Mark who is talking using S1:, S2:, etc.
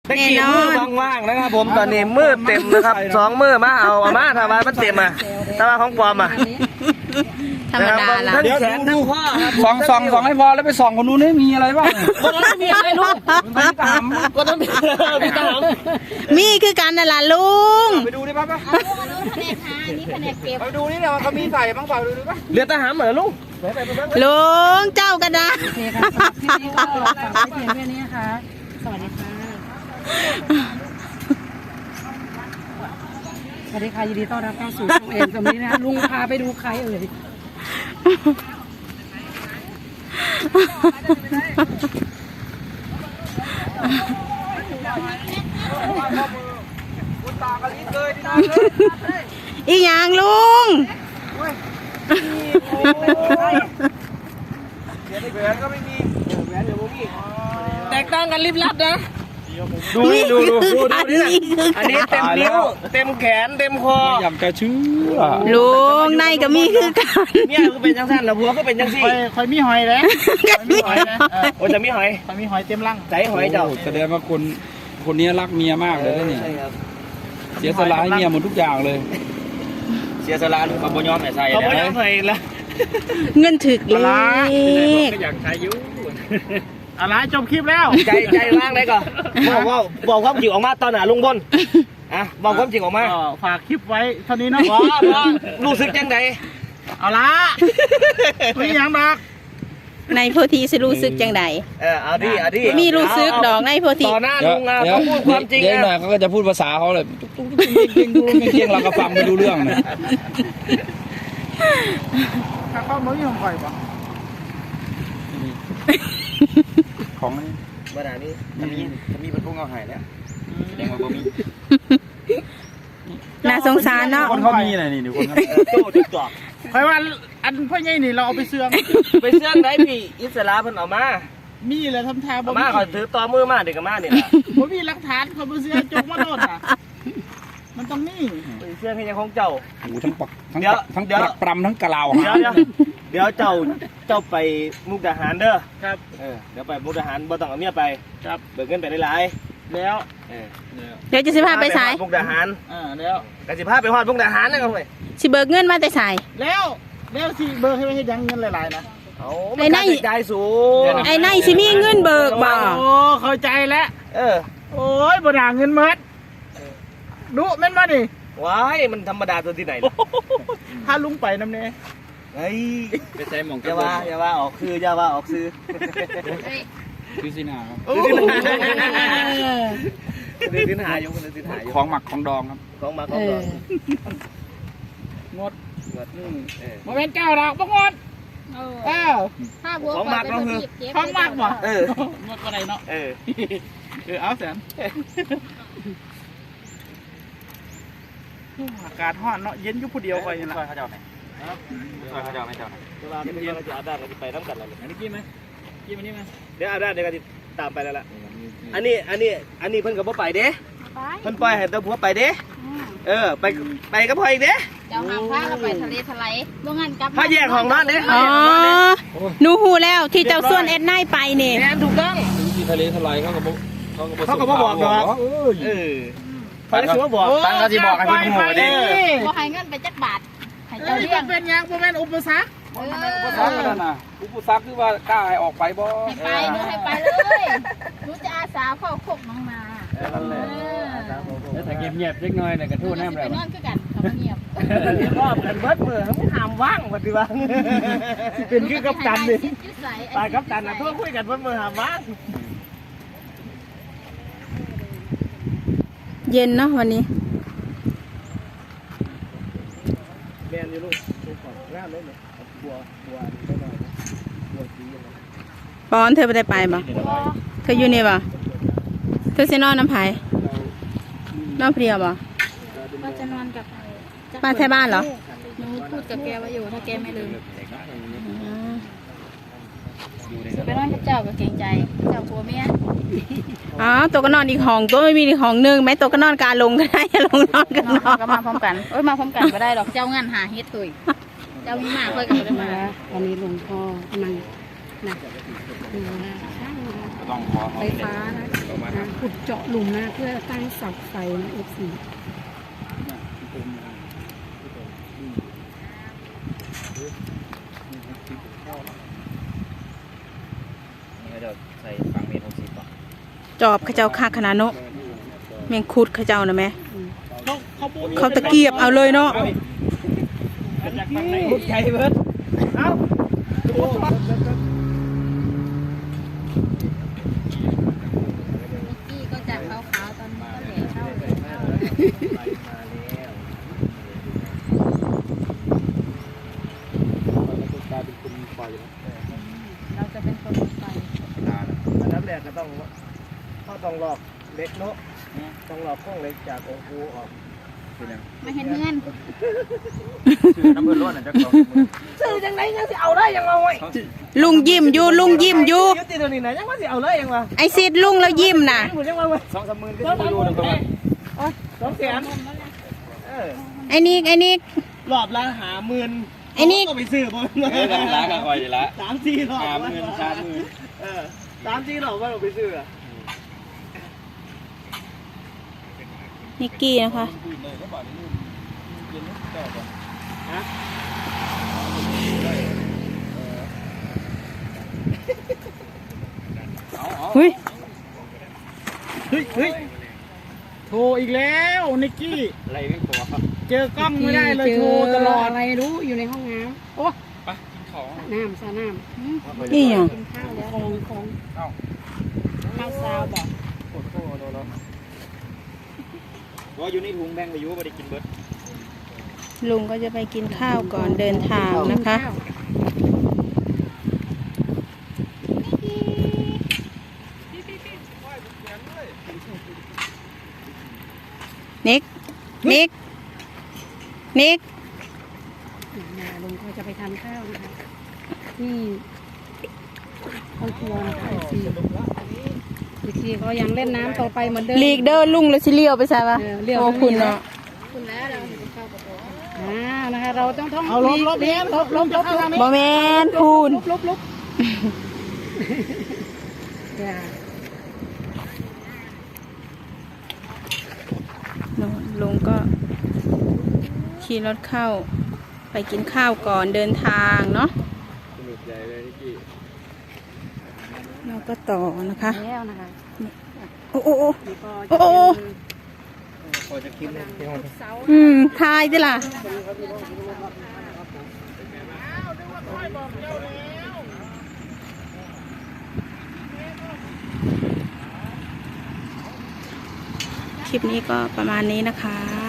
S1: ตะกี้มือว่างๆนะครับผมตอนนี้มือเต็มนะครับ2 มือมาเอามาทำไมมันเต็มอ่ะทำไมของปลอมอ่ะ
S2: ธรรมดาละ
S1: ทั้งแขนทั้งข้อครับ
S3: ส่องให้พอแล้วไปส่องคนนู้นนี่มีอะไรบ้าง
S1: คนนั้นไม่มีอะไรลูกคนนั้นมีตาม
S2: มีคือกันนั่นล่ะลุง
S3: ไปดูดิป่ะ
S4: เอาลูกอันนู้นแผนกหาอันนี้แผนกเก็บ
S3: ไปดูนี่เนี่ยเขามีใส่บ้างเปล่าดูดิป่ะ
S1: เรือทหารเหมือนลูก
S2: ลุงเจ้ากันนะ
S4: โอเคค่ะสำหรับคลิปนี้ก็ฝากไว้เพียงแค่นี้นะคะสวัสดีค่ะสวัสดีค่ะยินดีต้อนรับเข้าสู่ช่องเอ็มตรงนี้นะคะลุงพาไปดูใครเอ่ย
S2: อีหยังลุง
S3: แหวนก็ไม่มีแหวนเดี๋ยวผมมี
S1: แตกต่างกันลิบลับนะ
S3: ดูนี่ดู
S2: อันนี้คือ
S1: อันนี้เต็มนิ้วเต็มแขนเต็มคอ
S3: อยากจะเชื่อ
S2: ลุงในก็มีคือกัน
S1: เนี่ยก็เป็นจังสั้นแล้วหัวก็เป็นจังซี่
S3: คอยมีหอยแล้ว
S2: มีหอย
S1: โอ้จะมีหอย
S3: คอยมีหอยเต็มรัง
S1: ใจหอยเจ้า
S3: แสดงว่าคนนี้รักเมียมากเลยนะนี่
S1: ใช่ครับ
S3: เสียสละให้เมียหมดทุกอย่างเลย
S1: เสียสละลูกเขาบ่ยอมให้ใส่เขาบ่ยอมให้ละ
S2: เงินถึกเลข
S3: ก็อยากใช้ยุอะไรจบคลิปแล้ว
S1: ใจว่างได้ก่อนบอกความจริงออกมาตอนหนาลุงบนอ่ะบอกความจริงออกมา
S3: ฝากคลิปไว้เท่านี้เนาะ
S1: ว่ารู้สึกยังไง
S3: เอาละไม่ยังดอก
S2: ในโพธิสิรู้สึกจังใด
S1: เอาดิ
S2: มีรู้สึกดอกในโพธิ
S1: ต่อหน้าลุงอ่ะเขาพูดความจริง
S3: เดี๋ยวหน่อยเขาก็จะพูดภาษาเขาเลยเก่งเราก็ฟังไม่รู้เรื่องนะถ้าเขาไม่ยอมปล่อยปะของนี่
S1: เมื่อไหร่นี้
S3: มีบรรทุกเอาหายแล้วแสดงว่าบ่มี
S2: น่าสงสารเนาะ
S3: คนเขามีอะไรนี่ดูคนเขา
S1: โจ้จุดจอก
S3: เพราะว่าอันพ่อใหญ่นี่เราเอาไปเสื่อง
S1: ไปเสื่องไหนพี่อิสระเพิ่นเอามา
S3: มีเลยทำทาบ่
S1: เอามาเขาถือต่อมือมาเด็กกับมาเนี่ย
S3: บ่มีหลักฐานเขาบ่เสื่อจกมาโดนอ่ะมันต้องมี
S1: ไปเสื่องให้ยังของเจ้า
S3: โอ้ทั้งปักทั้ง
S1: เดี๋ยว
S3: ทั้ง
S1: เดี๋ยว
S3: ปักปรำทั้งกะลาว
S1: เดี๋ยวเจ้าไปมุกดาหารเด้อครับเดี๋ยวไปมุกดาหารบ่ต้องเอาเมียไปครับเบิกเงินไปหลายๆแล้ว
S2: เดี๋ยวจะสิพาไปสาย
S1: มุกดาหาร
S3: แล้ว
S1: กสิพาไปฮอดมุกดาหารนะครับเว้ย
S2: สิเบิกเงินมาแต่สาย
S3: แล้วสิเบอร์ให้ไม่ให้ยังเงินหลายๆนะ
S1: เอามันค่าใช้จ่ายสูง
S2: ไอ้ในสิมีเงินเบิกบ่
S3: โอ้เข้าใจแล้ว โอ้ยบ่ด่าเงินมัดดุแม่นมาดิ
S1: ว้ายมันธรรมดาตัวที่ไหนล่ะ
S3: ถ้าลุงไปน้ำเน่
S1: เฮ้ย
S3: ไปใจหมอง
S1: อย่าว่าออกซื้ออย่าว่าออกซื้อ
S3: คือสินาครับ
S1: ซื้อสินหาอยู่ซื้อสินหาอยู่
S3: ของหมักของดองครับ
S1: ของมาของดอง
S3: งดโมเมนต์เก้าดอกบ่งด
S4: ถ้าบัว
S1: ของมากก็คือ
S3: ของหมักบ่
S1: ง
S3: ดก็ได้เนาะ เอาแสนอากาศร้อนเนาะเย็นอยู่ผู้เดียวคอยนี่ล่ะเขาเจ้าไหนเขาเจ้าไม่เจ้าไหน
S1: เวลาเย็นเราจะอาบน้ำเราจะไปน้ำกันแล้ว
S3: อันนี้กินไหมกินอันนี้ไหม
S1: เดี๋ยวอาบน้ำเดี๋ยวก็จะตามไปแล้วล่ะอันนี้เพิ่นกับพ่อไปเด้เพิ่นปล่อยให้ตัวผัวไปเด้ไปกับพ่ออีกเด้
S4: เจ้าหางพาเราไปทะเลทลายบ่งั้นกลับ
S1: ถ้าแยกของนอนเด้
S2: อ๋อหนูหูแล้วที่เจ้าส่วนเอ็ดไนไปนี่
S1: แอนถูกต้อง
S3: ที่ทะเลทลายเขาก็
S1: บอกเนาะเขาได้คือว่าบอก
S3: ตั้งเขาที่บอกให้พี่หมูดิ
S4: บ่ให้เงินไปจักบาทให้
S3: เจ้า
S4: เจ้า
S3: เรี
S4: เลี้
S3: ย
S4: ย
S3: ก
S4: ง
S3: เป็นยังบ่แม่นอุปสรรคอุปสรรคนั่นน่ะอุปสรรคคือว่ากล้าให้ออกไปบ่
S4: ให้ไปหนูให้ไปเลยหนูจะอาสาเข้าคกน้องนา
S3: นั่นแหละแล้วถ้าเงียบๆเล็กน้อยเนี่ยก็ทู่น้ำ
S4: ไป
S3: แล้ว
S4: นอนคือกันเขาเงียบ
S1: รอบกันเบิดมือไม่ห้ามว่างปฏิบัติเป็นคือกัปตันดิไปกัปตันนะทั่วคุยกันเบิดมือห้ามว่าง
S2: เย็นเนาะวันนี้
S1: แมนอยู่ลูกก่อนงามเลยเนี่ยบัวได้หน่อยบัวสีอะไร
S2: ปอนเธอไปได้ไปบ่เธออยู่นี่บ่เธอสินอนน้ำไผ่นอนเพลียบ่
S4: ก็จะนอนกับ
S2: มาแท่บ้านเหรอ
S4: หนูพูดกับแกว่าอยู่ถ้าแกไม่ลืมไปนอนกับเจ้าก็เกรงใจเจ้าผัวเมีย
S2: อ๋อตัวก็นอนอีกห้องตัวไม่มีอีกห้องนึงไหมตัวก็นอนกลางลงก็ได้ลงนอนกันนอน
S4: ก็มาพร้อมกันมาพร้อมกันไม่ได้หรอกเจ้างานหาเฮ็ดถุยเจ้ามีมากค่อยกันได้มา
S5: วันนี้หลวงพ่อกำลังนะ
S3: ต้องขอ
S5: ไฟฟ้านะขุดเจาะหลุมนะเพื่อตั้งเสาไฟนะ F4
S3: นี่ก็จะใส่ฟังเมนู10 ป่ะ
S2: จอบเขาเจ้าค่าขนาดเนาะแมงคุดเขาเจ้านะแม่
S3: เขา
S2: เขาตะเกียบเอาเลยเนาะ
S1: มุดใจเบิดเอ้า
S4: กี้ก็จากขาวๆตอนนี้ก็เหล่เท่าเลยเราจะเป็นคนไฟ
S1: อันดับแรกก็ต้องหลอกเล็กเนาะต้องหลอกข้องเล็กจากองค์ปูออก
S4: มาเห็นเงิน
S3: น้ำเพื่อนล้วนจะกอง
S1: ซื้อจังไหนยังสิเอาได้ยังเอาไว้
S2: ลุงยิ้มอยู่ลุงยิ้มอยู่
S1: ยุติตัวนี้นะยังว่าสิเอาเลยยังวะ
S2: ไอซิดลุงแล้วยิ้มน่ะ
S1: หมดยังว่าเว้ย
S3: 2-3 หมื่นก็อยู่นึงประมาณ
S1: 200,000
S2: ไอ้นิก
S1: รอบละ50,000
S2: ไอ้นี่
S1: ก็ไปซื้อบ่
S3: ล้างกันอ่อยละ
S1: 3-4รอบ
S3: 30,000
S1: 3-4รอบว่าเราไปซื้อ
S2: นิกกี้นะคะ เฮ้ย
S3: เฮ้ยโทรอีกแล้วนิกกี้อะไรไม่ขอครับเจอกล้องไม่ได้เลยโทรตลอด
S5: อะไรรู้อยู่ในห้องน้ำโอ้
S3: ไปกินของ
S5: น้ำซาน้ำ
S2: นี่ยัง
S5: กินข้าวแล้วของ
S3: เอ้า
S5: ข้าวซาวบอก
S3: ปวดโทษโดนว่าอยู่ในถุงแบงไปอยู่ไม่ได้กินเบิร์ด
S2: ลุงก็จะไปกินข้าวก่อนเดินทางนะคะ นิก
S5: ลุงก็จะไปทานข้าวนะคะที่ห้องครัวนะคะอีกทีก็ยังเล่นน้ำต่อไปเหมือนเดิม
S2: ลีกเดอร์ลุงแล้วสิเลี้ยวไปใช่ปะ
S5: เลี้ยว
S2: โอ้คุณเนาะ
S4: คุณแล้วเราถึงเข้าประตู
S5: นะคะเราต้องท่อง
S3: เอาลบ
S2: บอแมนพูน
S5: ลบอย่า
S2: ลุงก็ขี่รถเข้าไปกินข้าวก่อนเดินทางเนาะเราก็ต่อนะคะ
S5: แล้วนะคะ
S2: โอ้โอ้โอ้
S5: นี่ก็
S2: โอ้โอ้
S3: พอจะคิดเลย
S2: ทายดิล่ะคลิปนี้ก็ประมาณนี้นะคะ